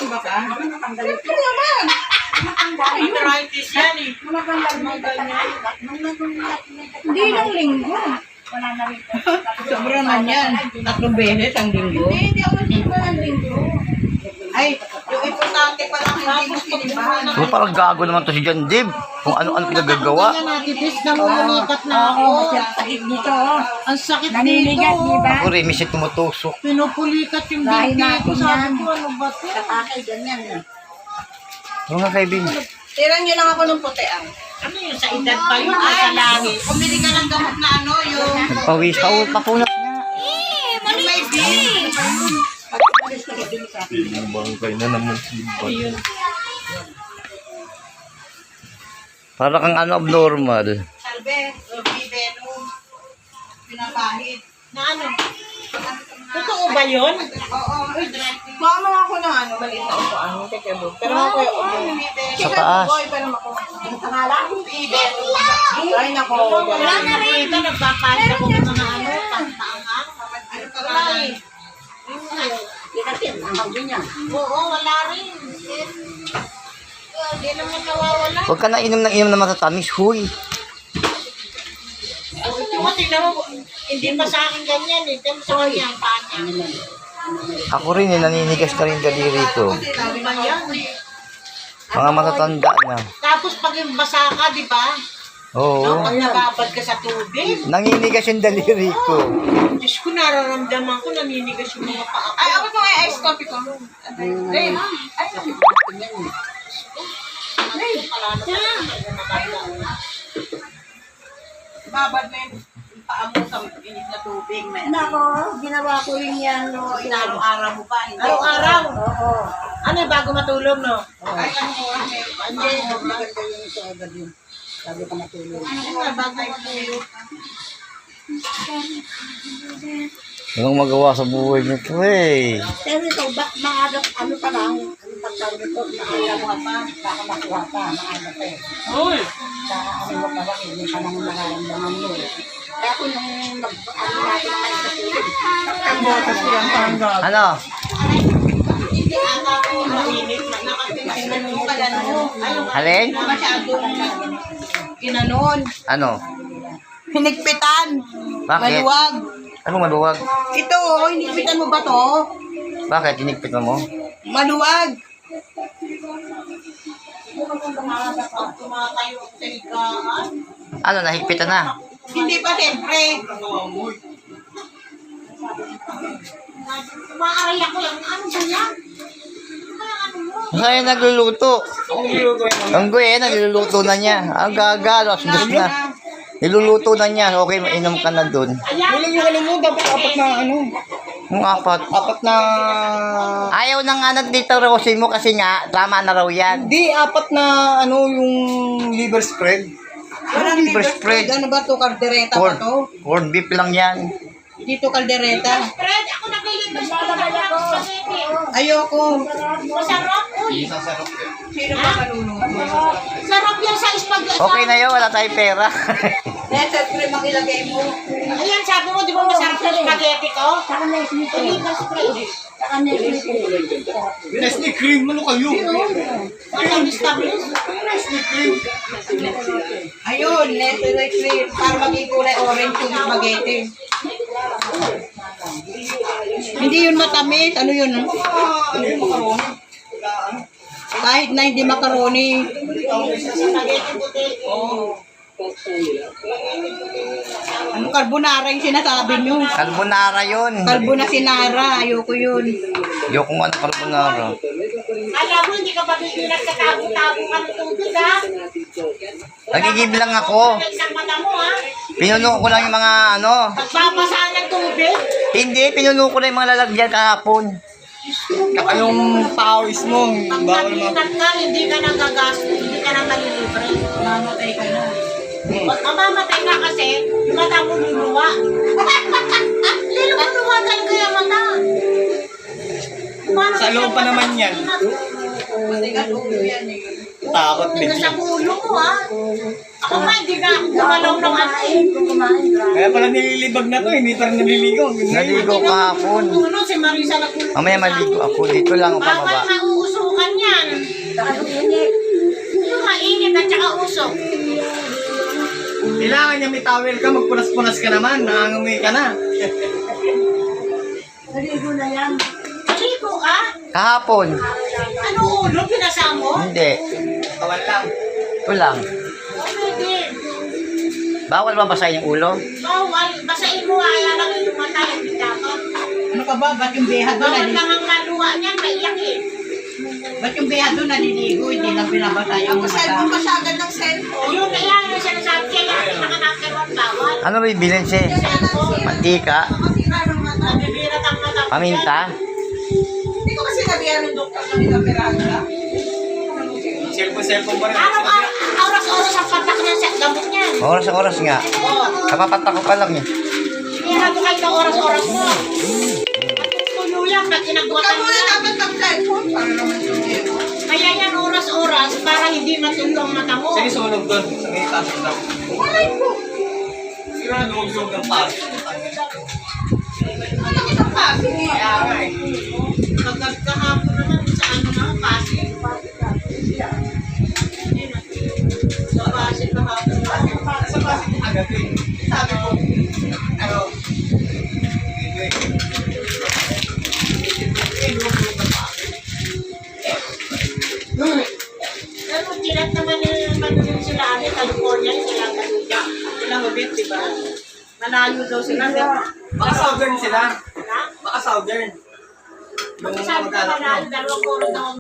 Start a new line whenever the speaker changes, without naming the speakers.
ba ka? Ito naman. Arthritis yan eh. Hindi lang linggo. Sobra naman yan. 3 beses ang linggo. Hindi ako ng linggo. Ay, yung importante pa lang hindi mo sinibahan.
So, parang gago naman to si John Dib. Kung ano-ano pinagagawa.
Natipis na lumikat na ako.
Sakit dito, oh.
Ang sakit
Naninigat,
dito.
di ba?
Ako rin, misit tumutusok.
Pinupulikat yung
Dahil
binti
natin
ko. Sabi
yan.
ko, ano ba ito?
Kapakay, ganyan.
Ano nga kaibigan?
Tirang nyo lang ako ng putean. Ano yun? Sa edad pa yun? Ay, sa langit. Pumili ka ng gamot na ano, yung...
Nagpawis pa, papunat na.
Yung may bin.
Bangkay na naman si Ayun. Para kang ano, abnormal.
Salve, Venus. Pinapahid. Na ano? Totoo ba yun? Oo. Kuha mo ako ng ano, maliit na upuan. Teka mo. Pero ako yung
Sa taas.
pero ako. Ay, nako. Wala na rin. Ito, nagpapahid ako ng mga ano, pangtaangang. Ano pa ba eh? Oo, wala rin. Hindi naman nawawala.
Huwag ka na inom ng matatamis, huy.
Tingnan mo, hindi pa sa akin ganyan eh. Tingnan mo sa kanya ang paa niya.
Ako rin, naninigas na rin daliri ko.
Sabi ba yan?
Mga matatanda na.
Tapos pag yung basa ka, di ba?
Oo.
Pag nababad ka sa tubig.
Naninigas yung daliri ko.
Diyos ko, nararamdaman ko, naninigas yung mga paa ko. Ay, ako ito nga ice coffee ko. Ay, babad na yung paa mo sa init na tubig.
Nako, ginawa ko rin yan, no.
Araw-araw mo ba? Araw-araw?
Oo.
Ano yung bago matulog, no?
Ay, ano ko, hindi, maganda yun ito agad yun. Sabi ko matulog.
Ano nga, bago matulog?
Anong magawa sa buhay nito eh.
Pero ito, maaga, ano pa lang, ano pagtawag ito, maaga mo pa, baka makuha pa, maaga pa eh.
Uy!
Baka ano mo pa lang, hindi pa nang nakaramdaman mo eh. Kaya kung nung ano natin tayo sa tulog,
Ang botas ko lang tanggap.
Ano?
Hindi ata ko mainit na nakatingin mo pala no.
Alin?
Masyadong ginanon.
Ano?
Hinigpitan.
Bakit?
Maluwag.
Anong maluwag?
Ito, hinigpitan mo ba to?
Bakit? Tinigpit mo?
Maluwag. Tumatayo ako sa higaan.
Ano? Nahigpitan na?
Hindi pa siyempre. Maaari ako lang. Ano ba yan?
Masaya nagluluto. Ang guy nagluluto na niya. Ang gaga, alas dos na. Niluluto na niya. Okay, mainom ka na dun.
Walang yung ano mo, dapat apat na ano,
Yung apat.
apat na,
Ayaw na nga dito rosin mo kasi nga, tama na raw yan.
di apat na ano yung liver spread.
Walang
liver
liver
spread.
spread. Ano ba to? Kaldereta ba to?
Corn beef lang yan.
Dito kaldereta.
Fred, ako naglilipas ko na lang ng spaghetti.
Ayoko.
Masarap. Uy,
Sino ba kaluluto?
sarap yan sa spaghetti.
Okay na yun, wala tayong pera.
Nestle cream ang ilagay mo.
Ayan, sabi mo, di ba masarap sa spaghetti ko?
Saka na isnito.
Liver spread.
Saka na isnito.
Nestle cream, ano kayo?
Ang establish.
Ayun, Nestle cream. Para maging kulay orange yung spaghetti. Hindi yun matamis. Ano yun? Kahit na hindi macaroni.
Spaghetti puti.
Ano carbonara yung sinasabi nyo?
Carbonara yun.
Carbona-sinara. Ayoko yun.
Yung kung ano carbonara.
Alam mo, hindi ka ba bibilang sa tabo-tabo ka ng tubig, ha?
Nagigib lang ako.
Isang mata mo, ha?
Pinuno ko lang yung mga ano.
Pagbabasaan ng tubig.
Hindi, pinuno ko lang yung mga lalagyan kahapon.
Saka yung pawis mo,
Pag natinat ka, hindi ka nagagastos, hindi ka na malilibre.
Mamatay ka na.
Pag mamamatay ka kasi, yung mata mo luluwa. Luluwa talaga yung mata.
Sa loob pa naman yan.
Matigas ulo yan eh.
Takot
Hindi sa ulo mo, ha? Ako nga, hindi ka gumalaw ng ano eh.
Kaya pala nililibag na to, hindi pa rin naliligo.
Naligo kahapon.
Ano, si Marisa nagkulong.
Mamaya maligo ako. Dito lang ako
Bawal
pababa.
mauuso suntukan yan.
Ano init?
Yung mainit at saka usok.
Kailangan niya may towel ka, magpunas-punas ka naman, nangangamoy ka na.
Naligo na yan.
Maligo ka?
Kahapon.
Ano ulo? Pinasa mo?
Hindi.
Tawal lang.
Ito lang.
Pwede.
Bawal ba basahin yung ulo?
Bawal. Basahin mo kaya lang yung mata. Hindi dapat.
Ano ka ba? Ba't yung beha doon
Bawal lang ang maluwa niyan. Maiyak eh.
Ba't yung beha doon naliligo? Hindi lang binabasa yung mata. Cellphone masyadon ng cellphone.
Ayun na yan. Yung sinasabi kaya pinaka-number 1 bawal.
Ano rin bilhin siya?
Cellphone.
Mantika?
Nabibirat ang mata.
Paminta?
Hindi ko kasi nabihan ng doktor na nilapiraga.
Cellphone pa rin.
Araw-araw. Oras-oras ang patak niya sa gamot niyan.
Oras nga. Kapapatak ko pa lang eh.
Sinira ko kayo ng oras-oras mo. Tulo yan. Pag kinagwatan mo yan.
dapat mag-cellphone para naman sumero.
Kaya yan oras-oras para hindi matulo ang mata mo.
Sige, sunog doon. Sa may taas daw.
Malay ko.
Sigurado huwag ng paso.
Ano ko sa kasi?
Kaya nga eh.
Kahapon naman sa ano na, Pasig. Sa Pasig kahapon.
Sa paso agad eh. Sabi ko, ano,
Pero tilat naman yung sila amin, California, sila Galuga.
Sila mabit, diba? Malayo daw sila.
baka southern sila.
Ha?
Baka southern. Yung
Sabi ko
mag-alak
pala,
mo.
2 oras daw